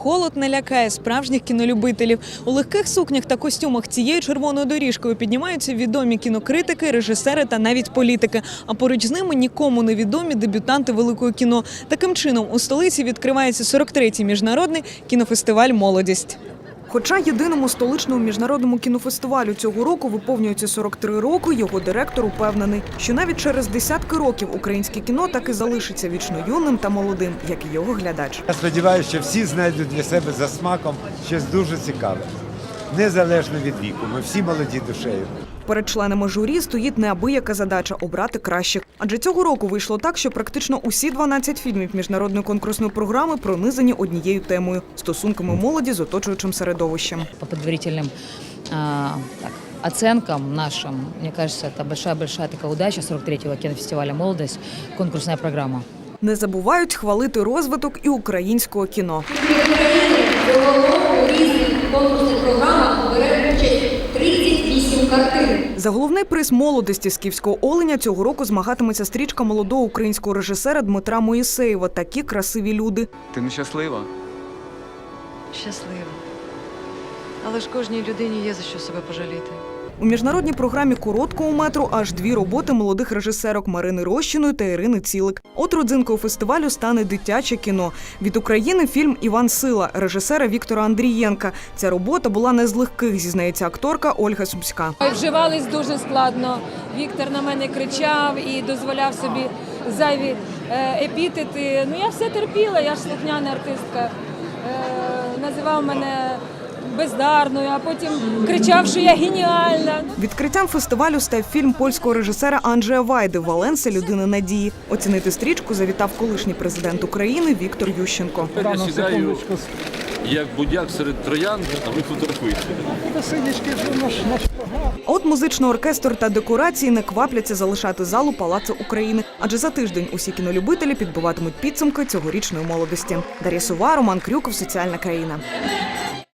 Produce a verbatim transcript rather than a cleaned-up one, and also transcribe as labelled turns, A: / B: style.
A: холод не лякає справжніх кінолюбителів. У легких сукнях та костюмах цією червоною доріжкою піднімаються відомі кінокритики, режисери та навіть політики. А поруч з ними нікому не відомі дебютанти великого кіно. Таким чином, у столиці відкривається сорок третій міжнародний кінофестиваль «Молодість». Хоча єдиному столичному міжнародному кінофестивалю цього року виповнюється сорок три роки, його директор упевнений, що навіть через десятки років українське кіно так і залишиться вічно юним та молодим, як і його глядач.
B: Я сподіваюся, що всі знайдуть для себе за смаком щось дуже цікаве. Незалежно від віку, ми всі молоді душею.
A: Перед членами журі стоїть неабияка задача – обрати кращих. Адже цього року вийшло так, що практично усі дванадцять фільмів міжнародної конкурсної програми пронизані однією темою – стосунками молоді з оточуючим середовищем.
C: По предварительным а, так, оценкам нашим, мне кажется, это большая-большая такая удача сорок третьего кинофестиваля «Молодость», конкурсная программа.
A: Не забувають хвалити розвиток і українського кіно.
D: У різних конкурсних програмах бере участь тридцять вісім картин.
A: За головний приз «Молодості» «Скіфського оленя» цього року змагатиметься стрічка молодого українського режисера Дмитра Моїсеєва «Такі красиві люди».
E: Ти нещаслива?
F: Щаслива. Але ж кожній людині є за що себе пожаліти.
A: У міжнародній програмі короткого метру аж дві роботи молодих режисерок Марини Рощиної та Ірини Цілик. От родзинкою фестивалю стане дитяче кіно. Від України фільм «Іван Сила» режисера Віктора Андрієнка. Ця робота була не з легких, зізнається акторка Ольга Сумська.
G: Вживались дуже складно. Віктор на мене кричав і дозволяв собі зайві епітети. Ну я все терпіла, я ж слухняна артистка. Називав мене бездарною, а потім кричав, що я геніальна.
A: Відкриттям фестивалю став фільм польського режисера Анджея Вайди «Валенса. Людина надії». Оцінити стрічку завітав колишній президент України Віктор Ющенко.
H: Я сідаю, як будяк серед троян, а ви фотографуєте.
A: А от музичний оркестр та декорації не квапляться залишати залу Палацу України. Адже за тиждень усі кінолюбителі підбиватимуть підсумки цьогорічної молодості. Дар'я Сова, Роман Крюков, «Соціальна країна».